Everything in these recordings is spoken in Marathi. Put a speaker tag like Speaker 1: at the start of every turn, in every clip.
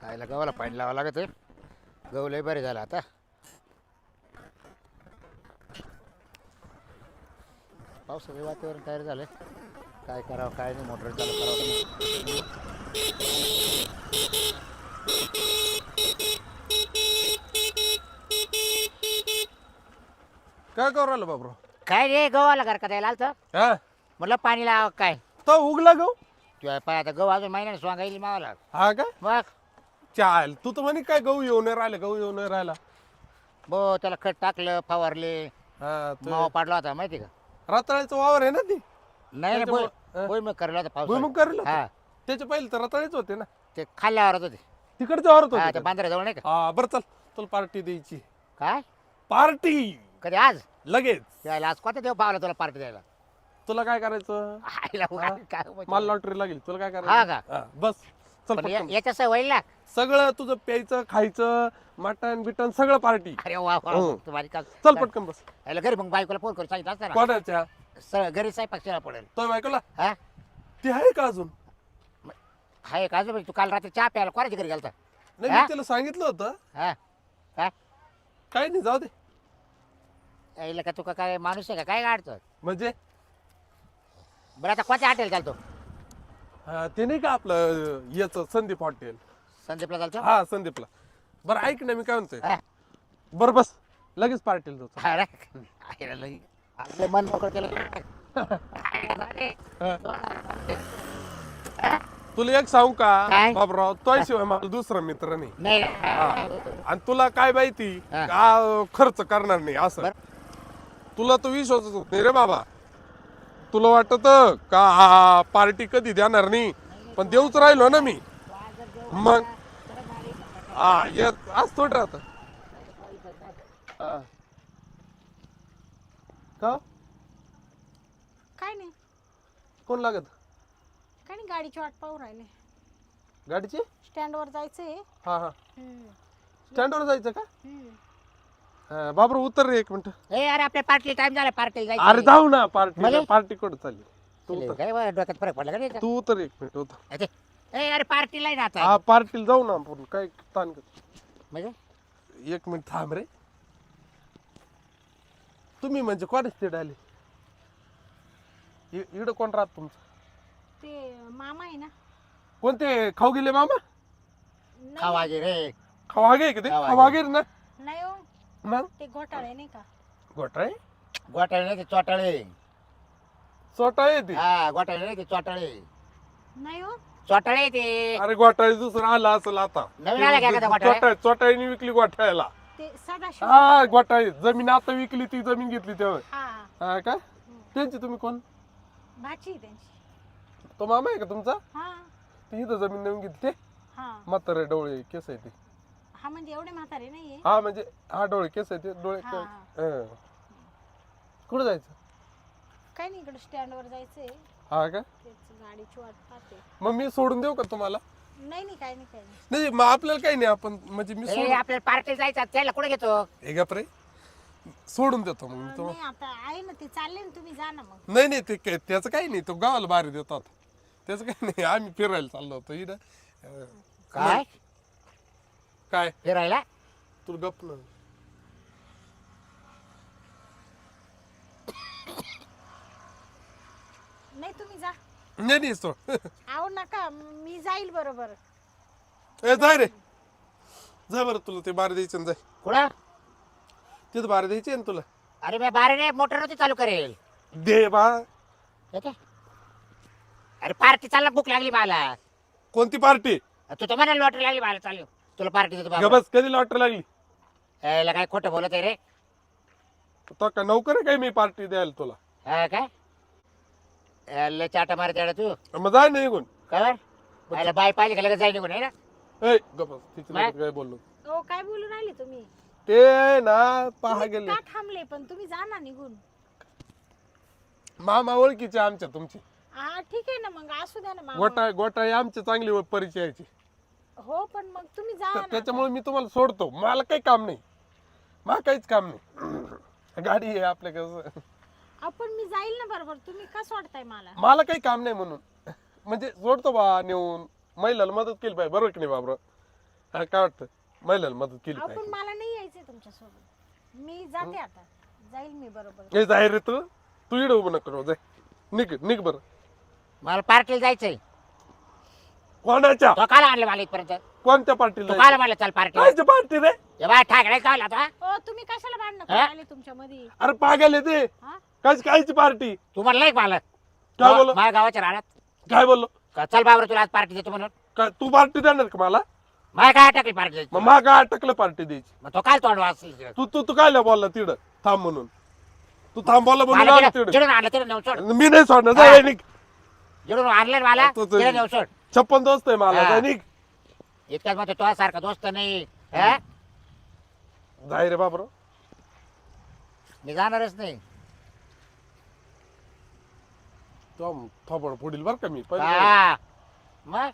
Speaker 1: आईला गव्हाला पाणी लावावं लागत आहे. गहू लय बरे झाला आता. पावसाचं वातावरण तयार झालं. काय करावं काय नाही, मोटर चालू करावं.
Speaker 2: काय करू राहिलं बाबरो?
Speaker 1: काय रे गव्हाला घर का द्यायला आलतं.
Speaker 2: हा
Speaker 1: म्हटलं पाणी लावा काय.
Speaker 2: तो उगला गहू.
Speaker 1: तुझ्या पाय आता गहू अजून महिन्याने स्वांगा येईल मावाला.
Speaker 2: हा का?
Speaker 1: मग
Speaker 2: चाल तू तर म्हणे काय गहू येऊन नाही राहिला, गहू येऊन नाही राहिला.
Speaker 1: बो त्याला खत टाकलं, फवारले,
Speaker 2: हा
Speaker 1: मावा पाडला होता माहिती का?
Speaker 2: रताळ्याचं वावर आहे ना ती.
Speaker 1: नाही नाही
Speaker 2: त्याच्यामुळं-
Speaker 1: बोय मग करला होता पाऊस.
Speaker 2: भुईमुग करेल
Speaker 1: हा
Speaker 2: त्याच्या पहिले तर रताळेच होते ना.
Speaker 1: ते खाल्ल्यावरच होते.
Speaker 2: तिकडच्या वावरात
Speaker 1: हा
Speaker 2: होते
Speaker 1: ते
Speaker 2: का?
Speaker 1: बांद्र्याजवळ नाही का?
Speaker 2: हा बरं चल, तुला पार्टी द्यायची.
Speaker 1: काय
Speaker 2: पार्टी
Speaker 1: कधी आज
Speaker 2: लगेच.
Speaker 1: यायला आज कोणता देव पावला तुला पार्टी द्यायला?
Speaker 2: तुला काय करायचं?
Speaker 1: आईला
Speaker 2: हा?
Speaker 1: काय म्हणजे?
Speaker 2: मला लॉटरी लागेल. तुला काय
Speaker 1: हा
Speaker 2: करायचं?
Speaker 1: का?
Speaker 2: हा, बस चल
Speaker 1: पण
Speaker 2: पटकन.
Speaker 1: याच्या सवय होईल ना.
Speaker 2: सगळं तुझं प्यायचं खायचं मटन बिटन सगळं पार्टी.
Speaker 1: अरे वा वा
Speaker 2: हो.
Speaker 1: तुम्हाला का
Speaker 2: चल पटकन बस.
Speaker 1: याला घरी मग बायकोला फोन करून सांगितलं असतं ना.
Speaker 2: कोणाच्या?
Speaker 1: घरी स्वयंपाक करायला पडेल.
Speaker 2: तो बायकोला
Speaker 1: हा
Speaker 2: ती आहे का अजून?
Speaker 1: हाय का अजून तू काल रात्री चहा प्यायला कोणाच्या घरी गेलता?
Speaker 2: नाही
Speaker 1: हा?
Speaker 2: मी तिला सांगितलं होतं.
Speaker 1: हा काय
Speaker 2: काही नाही जाऊ दे.
Speaker 1: यायला का तू का काय माणूस आहे का काय गाडतो?
Speaker 2: म्हणजे
Speaker 1: बरं आता कोणत्या हॉटेल चालतो?
Speaker 2: ते नाही का आपलं याचं संदीप हॉटेल.
Speaker 1: संदीपला चालतो?
Speaker 2: हा संदीपला. बरं ऐक ना मी काय म्हणतोय.
Speaker 1: हा.
Speaker 2: बरं बस लगेच पार्टीला जातो.
Speaker 1: अरे, आईला लई आपलं मन मोकळं केलं.
Speaker 2: तुला एक सांगू का
Speaker 1: काय?
Speaker 2: बाबराव, तो शिवाय मला दुसरा मित्र नाही.
Speaker 1: नाही
Speaker 2: आणि तुला काय माहिती
Speaker 1: हा.
Speaker 2: का खर्च करणार नाही असं.
Speaker 1: बरं.
Speaker 2: तुला तो विश्वासच होत नाही रे बाबा. तुला वाटत का हा पार्टी कधी देणार नाही, पण देऊच राहिलो ना मी. मग हा येत आज थोडं राहत का
Speaker 3: काय नाही
Speaker 2: कोण लागत
Speaker 3: काय नाही गाडीची वाट पाहू राहिले.
Speaker 2: गाडीची?
Speaker 3: स्टँडवर जायचंय.
Speaker 2: हा हा स्टँडवर जायचं का?
Speaker 3: हम्म.
Speaker 2: बाबरू उतर रे एक मिनिट.
Speaker 1: ए अरे आपल्या पार्टी टाइम झाला पार्टी जायची.
Speaker 2: अरे जाऊ ना पार्टी.
Speaker 1: म्हणजे?
Speaker 2: पार्टी कुठं चालली? तू
Speaker 1: चले,
Speaker 2: उतर.
Speaker 1: काय बरं, डोक्यात फरक पडला का नाही?
Speaker 2: तू उतर एक मिनिट उतर.
Speaker 1: अरे, ए अरे पार्टीला आहे ना आता.
Speaker 2: हा पार्टीला जाऊ ना आपण. काय ताण कर.
Speaker 1: म्हणजे
Speaker 2: एक मिनिट थांब रे. तुम्ही म्हणजे कोणाच तिकडे आले? इकडं कोण राहत तुमचं?
Speaker 3: ते मामा आहे ना.
Speaker 2: कोणते खाऊ गेले मामा?
Speaker 3: नाही,
Speaker 1: खावा गे रे.
Speaker 2: खवागे का ते?
Speaker 1: खवागे.
Speaker 2: खवागे ना.
Speaker 3: नाही हो,
Speaker 2: मग
Speaker 3: ते घोटाळे नाही का.
Speaker 2: घोटाळे
Speaker 1: गोटाळे नाही ते चोटाळे.
Speaker 2: चोटाळे येते.
Speaker 1: हा गोटाळे नाही ते चोटाळे.
Speaker 3: नाही हो,
Speaker 1: चोटाळे ते
Speaker 2: अरे घोटाळे दुसरं आलं असेल आता.
Speaker 1: नवीन आला का घोटाळे?
Speaker 2: चोटाळीने विकली घोटाळ्याला.
Speaker 3: ते सदाशिव.
Speaker 2: हा घोटाळे जमीन आता विकली, ती जमीन घेतली तेव्हा.
Speaker 3: हा
Speaker 2: हा का? त्यांची तुम्ही कोण?
Speaker 3: भाची आहे त्यांची.
Speaker 2: तो मामा आहे का तुमचा?
Speaker 3: हा
Speaker 2: ती इथं जमीन नवीन घेतली ते
Speaker 3: हा
Speaker 2: म्हातारे डोळे केस आहे ते.
Speaker 3: हा म्हणजे एवढे म्हातारे नाहीये.
Speaker 2: हा म्हणजे हा डोळे केस आहे ते डोळे.
Speaker 3: हा.
Speaker 2: हं. कुठं जायचं?
Speaker 3: काय नाही, इकडे स्टँडवर जायचंय.
Speaker 2: हा का?
Speaker 3: तेच गाडीची वाट पाहते.
Speaker 2: मग मी सोडून देऊ का तुम्हाला?
Speaker 3: नाही नाही, काय नाही काय नाही.
Speaker 2: नाही मग आपल्याला काही नाही. आपण म्हणजे मी
Speaker 1: ए
Speaker 2: सोडून
Speaker 1: आपल्याला पार्टी जायचं त्याला कुठे घेतो?
Speaker 2: हे गप रे. सोडून देतो मग मी तुम्हाला.
Speaker 3: नाही आता आहे ना, ते चालले ना, तुम्ही जा ना मग.
Speaker 2: नाही नाही ते त्याचं काही नाही. तो गावाला बाहेर देतात. त्याचं काही नाही. आम्ही फिरायला चाललो होतो इथं.
Speaker 1: काय
Speaker 2: काय
Speaker 1: फिरायला?
Speaker 2: तुला गप ना.
Speaker 3: नाही तुम्ही जा.
Speaker 2: नाही नाही सोड.
Speaker 3: आहो नका, मी जाईल बरोबर.
Speaker 2: ए जाय रे. जाय बरं, तुला ते बाहेर द्यायचं ना, जाय
Speaker 1: कुठं?
Speaker 2: तिथं बाहेर द्यायचे ना तुला.
Speaker 1: अरे मी बाहेर मोटर नव्हती चालू करेल.
Speaker 2: दे बा.
Speaker 1: येते? अरे पार्टी चालला, भूक लागली मला.
Speaker 2: कोणती पार्टी?
Speaker 1: तू तर म्हणाल लॉटरी लागली मला, चालू तुला पार्टी देतो बाबा.
Speaker 2: बस कधी लॉटरी लागली?
Speaker 1: याला काय खोटं बोलत आहे रे?
Speaker 2: तो का नोकर आहे काय मी पार्टी द्यायला तुला?
Speaker 1: हा काय याला चाटा मारत येडा तू
Speaker 2: मग जाय नाही निघून.
Speaker 1: काय याला बाय पाहिजे का लगेच जाय निघून आहे ना?
Speaker 2: ए गप तिची
Speaker 1: काय?
Speaker 2: काय बोललो
Speaker 3: हो, काय बोलू राहिले तुम्ही?
Speaker 2: ते ना पहा
Speaker 3: तुम्ही
Speaker 2: गेले.
Speaker 3: का थांबले पण? तुम्ही जा ना निघून.
Speaker 2: मामा ओळखीचे आमच्या तुमची.
Speaker 3: हा ठीक आहे ना, मग असू द्या ना मामा.
Speaker 2: गोटाळे आमचे चांगली परिचयाची.
Speaker 3: हो पण मग तुम्ही जा ना.
Speaker 2: त्याच्यामुळे मी तुम्हाला सोडतो. मला काही काम नाही. मला काहीच काम नाही. गाडी आहे आपल्याकडे.
Speaker 3: आपण मी जाईल ना बरोबर. तुम्ही का सोडताय मला?
Speaker 2: मला काही काम नाही म्हणून म्हणजे सोडतो बा नेऊन. महिलाला मदत केली पाहिजे, बरोबर की नाही बाबरा? हा, काय वाटतं महिलांना मदत केली
Speaker 3: अहो,
Speaker 2: पाहिजे.
Speaker 3: पण मला नाही यायचंय तुमच्यासोबत. मी जाते आता. जाईल मी बरोबर.
Speaker 2: हे जाय रे तू तू इड उभं नको राहू, जाय निघ बरं.
Speaker 1: मला पार्टीला जायचंय.
Speaker 2: कोणाच्या
Speaker 1: तो काल आणलं मला इथपर्यंत.
Speaker 2: कोणत्या
Speaker 1: तू
Speaker 2: पार्टीला
Speaker 1: काल म्हणलं चल पार्टीला.
Speaker 2: कायची पार्टी रे?
Speaker 1: हे बाय ठाकरे चावला आता.
Speaker 3: ओ तुम्ही कशाला भांडणं
Speaker 1: हा?
Speaker 3: करायला तुमच्या मध्ये?
Speaker 2: अरे पागल आहे ते.
Speaker 3: हा?
Speaker 2: कायची पार्टी?
Speaker 1: तू म्हणलं नाही का मला
Speaker 2: काय बोललो?
Speaker 1: माझ्या गावाच्या राहण्यात
Speaker 2: काय बोललो?
Speaker 1: का चल बाबर तुला आज पार्टी देतो म्हणून.
Speaker 2: काय तू पार्टी देणार का मला?
Speaker 1: माझ्या काय टाकली पार्टी
Speaker 2: मग मा काय अटकलं पार्टी द्यायची?
Speaker 1: मग तो काल तोंड वाचली.
Speaker 2: तू काय बोलला तिकडं थांब म्हणून? तू थांब बोलला म्हणून आलो तिकडं.
Speaker 1: जिडून आणलं तिथे नेऊन सोड.
Speaker 2: मी नाही सोडणार,
Speaker 1: हा.
Speaker 2: जाय निघ.
Speaker 1: जिडून आणलं मला
Speaker 2: तू-
Speaker 1: तिथे नेऊन सोड.
Speaker 2: 56 दोस्त आहे मला,
Speaker 1: हा.
Speaker 2: जाय निघ.
Speaker 1: इतक्यात मग तो सारखा दोस्त नाही. हा?
Speaker 2: जाय रे बाबरो.
Speaker 1: मी जाणारच नाही.
Speaker 2: तो थोबड पुढील बर का मी पहिले.
Speaker 1: हा. मग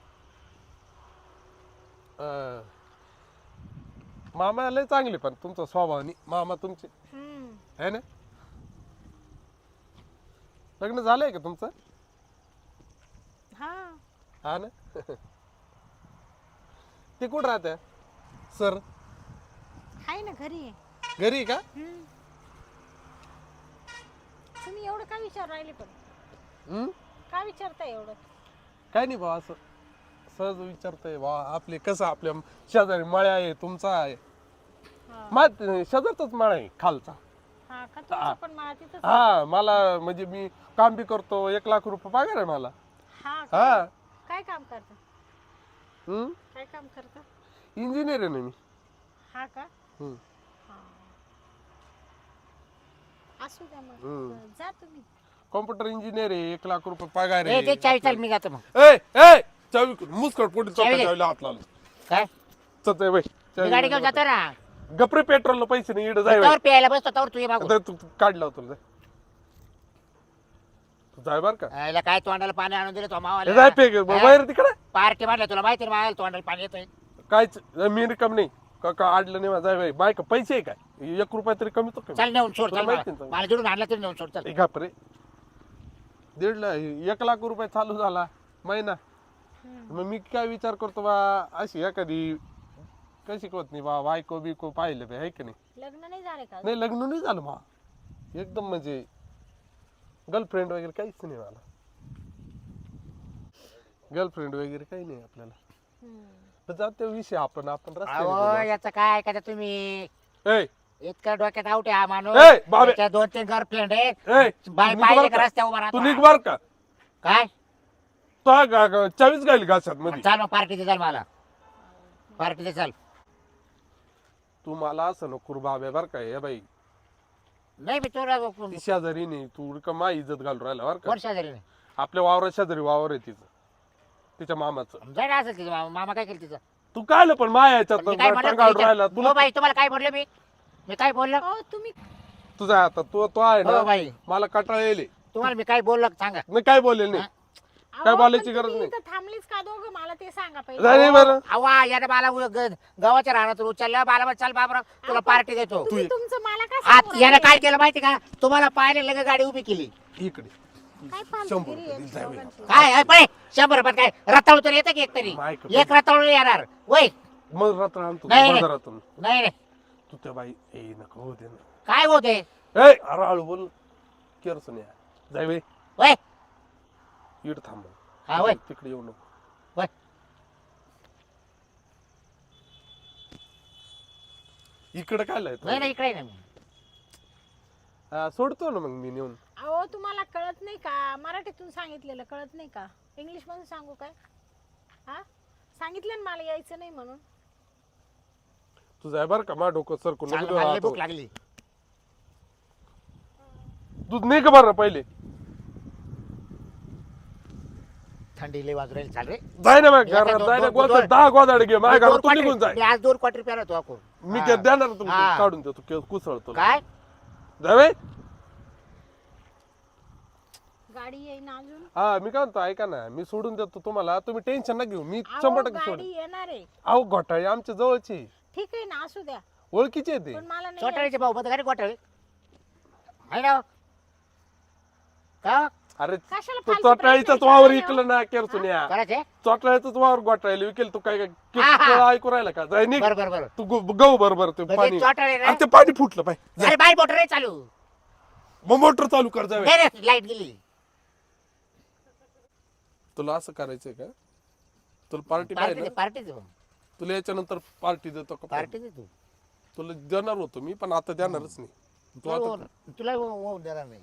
Speaker 2: अं, मामा लय चांगले पण तुमचा स्वभावानी मामा तुमचे
Speaker 3: हम्म.
Speaker 2: आहे ना. लग्न झालंय का तुमचं?
Speaker 3: हा.
Speaker 2: हा ना. ते कुठं राहते सर?
Speaker 3: हाय ना घरी आहे.
Speaker 2: घरी आहे का?
Speaker 3: हम्म. तुम्ही एवढं का विचार राहिले पण?
Speaker 2: हम्म?
Speaker 3: का विचारताय एवढं?
Speaker 2: काय नाही भाऊ, असं सहज विचारतोय बा. आपले कसं आपल्या शेजारी मळ्या आहे, तुमचा आहे.
Speaker 3: हा.
Speaker 2: शेजारचाच मळा आहे खालचा.
Speaker 3: हा का तुमचं पण मला तिथंच.
Speaker 2: हा मला म्हणजे मी काम बी करतो, 1,00,000 रुपये पगार आहे मला.
Speaker 3: हा का?
Speaker 2: हा.
Speaker 3: काय काम करता?
Speaker 2: हम्म?
Speaker 3: काय काम करता?
Speaker 2: इंजिनियर आहे ना मी.
Speaker 3: हा का?
Speaker 2: हम्म.
Speaker 3: हा. असू द्या मग.
Speaker 2: हम्म.
Speaker 3: जा तुम्ही.
Speaker 2: कॉम्प्युटर इंजिनियर आहे, 1,00,000 रुपये पगार
Speaker 1: ए ते
Speaker 2: आहे.
Speaker 1: चावी चल मी जातो मग.
Speaker 2: ए चावी मुस्कट पुढे
Speaker 1: चावी दे.
Speaker 2: चावीला हात लावला.
Speaker 1: काय
Speaker 2: चल बाई
Speaker 1: मी गाडी घेऊन जातो ना.
Speaker 2: गपरे पेट्रोलला पैसे नाही इकडे जाय बाई.
Speaker 1: तवर प्यायला बसतो तवर तू ये मागून.
Speaker 2: आता तू काढला होता जाय. तू जाय बर का.
Speaker 1: याला काय तोंडाला पाणी आणून दिलं तो
Speaker 2: हे
Speaker 1: मावाला.
Speaker 2: जाय पे बाहेर तिकडे.
Speaker 1: पार्टी मारल्या तुला माहिती ना मावाला तोंडाला पाणी येतोय.
Speaker 2: कायच मी रिकम नाही का आडलं नाही जाय बाई. बाय का पैसे आहे काय? 1 रुपया तरी कमी तो कमी.
Speaker 1: चल नेऊन सोड.
Speaker 2: तुला
Speaker 1: चल
Speaker 2: माहिती
Speaker 1: मला
Speaker 2: ना.
Speaker 1: मला जिडून आणलं तरी नेऊन सोड. चल
Speaker 2: घापरे 1,00,000 रुपये चालू झाला महिना. मग मी काय विचार करतो बा, अशी एखादी कशी होत नाही बा, बायको बिको पाहिलं बा, आहे की नाही.
Speaker 3: लग्न नाही झाले का?
Speaker 2: नाही लग्न नाही झालं मा एकदम म्हणजे गर्लफ्रेंड वगैरे काहीच नाही मला. गर्लफ्रेंड वगैरे काही नाही आपल्याला.
Speaker 3: हम्म.
Speaker 2: तर जाते विषय आपण रस्त्याने
Speaker 1: अहो
Speaker 2: बोलू.
Speaker 1: याचं काय ऐकायचं तुम्ही.
Speaker 2: ए,
Speaker 1: इतकं डोक्यात आउट आहे हा माणूस.
Speaker 2: ए, बाबे.
Speaker 1: त्याच्या 2-3 गर्लफ्रेंड आहे.
Speaker 2: ए,
Speaker 1: बाय
Speaker 2: निघ
Speaker 1: पाहिजे
Speaker 2: बरं
Speaker 1: का
Speaker 2: का?
Speaker 1: रस्त्या उभा
Speaker 2: तू
Speaker 1: राहतो.
Speaker 2: निघ बर का.
Speaker 1: काय
Speaker 2: तो चावीच गायली घासात मध्ये.
Speaker 1: चाल मग पार्टी दे. चल मला पार्टी दे. चल
Speaker 2: तू मला असं नको करू बाबे बर का. हे बाई
Speaker 1: नाही मी तुला
Speaker 2: ती शेजारी नाही, तू का मा इज्जत घालून राहिला बर का.
Speaker 1: कोण शेजारी नाही.
Speaker 2: आपल्या वावरात शेजारी वावर आहे तिचं, तिच्या मामाचं.
Speaker 1: जाय ना असेल तिचं मामा काय केलं तिचं.
Speaker 2: तू काय पण माया याच्यात
Speaker 1: पण मी काय म्हणलं
Speaker 2: टांगावर राहिला
Speaker 1: हो
Speaker 2: तुला.
Speaker 1: बाई तुम्हाला काय म्हणलं मी काय बोललो.
Speaker 3: अहो तुम्ही
Speaker 2: तुझा आता तो आहे
Speaker 1: हो
Speaker 2: ना
Speaker 1: बाई
Speaker 2: मला कटाळा येईल.
Speaker 1: तुम्हाला मी काय बोललो सांगा.
Speaker 2: मी काय बोलेल नाही. काय
Speaker 3: अहो,
Speaker 2: बोलायची
Speaker 3: पण
Speaker 2: गरज
Speaker 3: तुम्ही
Speaker 2: नाही.
Speaker 3: इथं थांबलीच का दोघं? मला ते सांगा पहिले.
Speaker 2: जाय रे बरं.
Speaker 1: अवा याने मला गावाच्या राहणार उचललं मला म्हणलं, चल बाबरा तुला पार्टी देतो.
Speaker 3: तुम्ही तुमचं मला काय
Speaker 1: आत
Speaker 3: सांगू
Speaker 1: याने
Speaker 3: राहिले?
Speaker 1: काय केलं माहिती का तुम्हाला पाहिले लगे गाडी उभी केली.
Speaker 2: इकडे
Speaker 3: काय
Speaker 2: 100
Speaker 3: फालतूगिरी
Speaker 2: रुपये
Speaker 3: आहे
Speaker 2: दिले, जाय बाई.
Speaker 3: दोघांची?
Speaker 1: काय आहे पळे 100 रुपयात काय रताळू तर येतं की एक तरी.
Speaker 2: मायक
Speaker 1: एक रताळू येणार वय.
Speaker 2: मग रात्र आणतो
Speaker 1: नाही, नाही.
Speaker 2: बाजारातून.
Speaker 1: नाही नाही
Speaker 2: तू त्या बाई ए नको होते ना.
Speaker 1: काय होते
Speaker 2: ए अरे हळू बोल केरसून या. जाय बाई
Speaker 1: वय.
Speaker 2: इकडे थांब.
Speaker 1: हा वय
Speaker 2: तिकडे येऊ नको.
Speaker 1: वय.
Speaker 2: इकडे काय
Speaker 1: नाही
Speaker 2: लाय
Speaker 1: नाही इकडे नाही.
Speaker 2: सोडतो ना मग मी नेऊन.
Speaker 3: अहो तुम्हाला कळत नाही का? मराठीतून सांगितलेलं कळत नाही का? इंग्लिश मधून सांगू काय? हा सांगितलं ना मला यायचं नाही म्हणून.
Speaker 2: तू जाय बर का मा डोकं सरकून
Speaker 1: चांगलं
Speaker 2: नको
Speaker 1: मला लई
Speaker 2: राहतो.
Speaker 1: भूक लागली.
Speaker 2: तू नाही का बरं पहिले.
Speaker 1: थंडी लई वाजू राहील. चाल रे
Speaker 2: जाय ना मग
Speaker 1: मी आता
Speaker 2: घरात जाय ना.
Speaker 1: दोन-
Speaker 2: गोदाड 10 गोदाड घे माझ्या घरात तू निघून जाय.
Speaker 1: मी आज 2 क्वार्टर प्याला तो आपण.
Speaker 2: मी काय देणार तुला
Speaker 1: हा.
Speaker 2: काढून देतो कुसळतो.
Speaker 1: काय
Speaker 2: जाय बाई.
Speaker 3: गाडी येईन अजून.
Speaker 2: हा मी काय म्हणतो ऐका ना, मी सोडून देतो तुम्हाला. तुम्ही टेन्शन ना घेऊ. मी
Speaker 3: अहो,
Speaker 2: 100% सोड.
Speaker 3: गाडी येणार आहे.
Speaker 2: अहो घोटाळे आमच्या जवळचे
Speaker 3: ठीक आहे ना असू द्या
Speaker 2: ओळखीचे आहे ते.
Speaker 3: पण मला नाही
Speaker 1: चोटाळीचे भाऊ मध्ये गाडी गोठाळे आहे ना हो? का
Speaker 2: अरे
Speaker 3: कशाला
Speaker 2: तो
Speaker 3: फालतू
Speaker 2: चोटाळीचाच
Speaker 3: प्रश्न
Speaker 2: वावर
Speaker 3: विचारले हो?
Speaker 2: इकलं ना केरसुन्या
Speaker 1: करायचे
Speaker 2: चोटाळ्याचाच वावर गोटाळले विकेल तू काय
Speaker 1: हा, हा.
Speaker 2: काय ऐकू राहिला का जाय निघ
Speaker 1: बरं बरं
Speaker 2: तू गहू बरोबर ते
Speaker 1: म्हणजे
Speaker 2: पाणी
Speaker 1: चोटाळे ना?
Speaker 2: अरे ते पाणी फुटलं पाय
Speaker 1: अरे बाई मोटर नाही चालू
Speaker 2: मग मोटर चालू कर जावे
Speaker 1: नाही लाईट गेली
Speaker 2: तुला असं करायचंय का तुला पार्टी पाहिजे ना
Speaker 1: पार्टी देऊ
Speaker 2: तुला याच्यानंतर पार्टी देतो का
Speaker 1: पार्टी दे तू
Speaker 2: तुला देणार होतो मी पण आता देणारच नाही तू आता
Speaker 1: तुला होऊन देणार नाही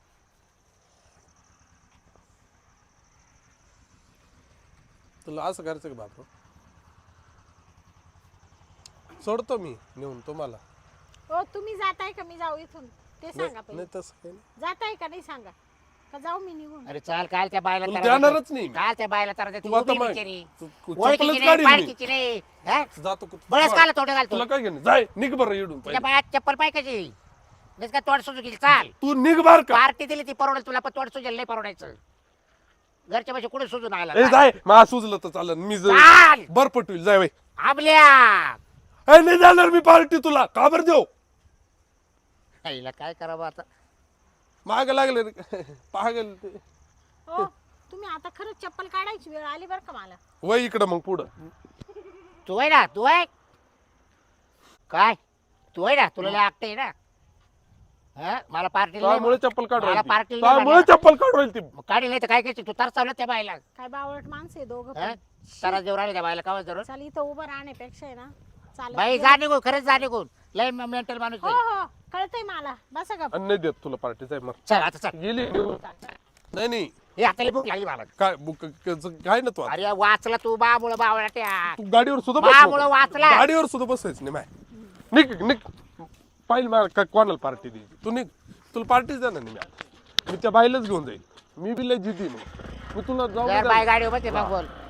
Speaker 2: तुला असं करायचं का बाप सोडतो मी नेऊन तुम्हाला
Speaker 3: हो तुम्ही जाताय का मी जाऊ इथून ते सांगा
Speaker 2: नाही
Speaker 3: पहिले
Speaker 2: तसं काही नाही
Speaker 3: जाताय का नाही सांगा का जाऊ मी निघून
Speaker 1: अरे चाल काल त्या बायला
Speaker 2: तुला
Speaker 1: तारा
Speaker 2: देणारच नाही मी.
Speaker 1: काल त्या बायला तारा
Speaker 2: तू आता मग
Speaker 1: ओळखीची
Speaker 2: चप्पलच
Speaker 1: नाही
Speaker 2: काढीन मी
Speaker 1: पाळखीची नाही हा?
Speaker 2: जातो
Speaker 1: बळच काल तोडे घालतो
Speaker 2: तुला काय घेणं जाय निघ बरं येडून
Speaker 1: तुझ्या
Speaker 2: पहिले.
Speaker 1: बाळात चप्पल पाय कशी नाही का तोड सुजू गेली चाल
Speaker 2: तू निघ बार का
Speaker 1: पार्टी दिली ती परवडेल तुला पण तोड सुजेल नाही परवडायचं घरच्या पैसे कुठे सुजून आला
Speaker 2: ए जाय मा सुजलं तर चालन मी
Speaker 1: चाल
Speaker 2: बर पटवील जाय बाई
Speaker 1: आबल्या
Speaker 2: ए नाही जाणार मी पार्टी तुला का बरं देऊ
Speaker 1: आईला काय करावं आता
Speaker 2: माग लागले रे पागल ते
Speaker 3: हो तुम्ही आता खरंच चप्पल काढायची वेळ आली बरं का मला
Speaker 2: वय इकडं मग पुढं
Speaker 1: तू आहे ना तू आहे काय तू आहे ना तुला लय आकटे आहे ना हा? मला पार्टी
Speaker 2: त्यामुळे चप्पल काढू
Speaker 1: मला
Speaker 2: राहिली
Speaker 1: पार्टी
Speaker 2: ती.
Speaker 1: नाही
Speaker 2: त्यामुळे
Speaker 1: लागणार.
Speaker 2: चप्पल काढू राहिली ती
Speaker 1: काढी नाही तर काय करायची तू तर चावलं त्या बायला
Speaker 3: काय बावळट माणसं आहे दोघं
Speaker 1: हा?
Speaker 3: पण.
Speaker 1: तारा देऊ राहिले त्या बायला का जरूर
Speaker 3: चल इथं उभं राहण्यापेक्षा आहे ना चालेल
Speaker 1: बाई जा निघून खरंच जा निघून लय मेंटल माणूस
Speaker 3: हो
Speaker 1: आहे.
Speaker 3: हो कळतंय मला बसा का
Speaker 2: आणि नाही देत तुला पार्टी जाय मग
Speaker 1: चल आता चल
Speaker 2: गेली निघून. नाही नाही
Speaker 1: हे आता भूक लागली मला
Speaker 2: काय काय ना तू आता?
Speaker 1: अरे वाचला तू बामुळं बावळा त्या
Speaker 2: तू गाडीवर सुद्धा
Speaker 1: बामुळं
Speaker 2: बस
Speaker 1: वाचला
Speaker 2: गाडीवर सुद्धा बसायचं नाही माय निघ निघ पाहिजे मला काय कोणाला पार्टी द्यायची तू निघ तुला पार्टीच देणार नाही मी त्या बाईलाच घेऊन जाईल मी बी लय जिद्दी नाही मी तुला जाऊ
Speaker 1: जर
Speaker 2: नाही
Speaker 1: बाय
Speaker 2: देणार.
Speaker 1: गाडी उभं ते मग बोल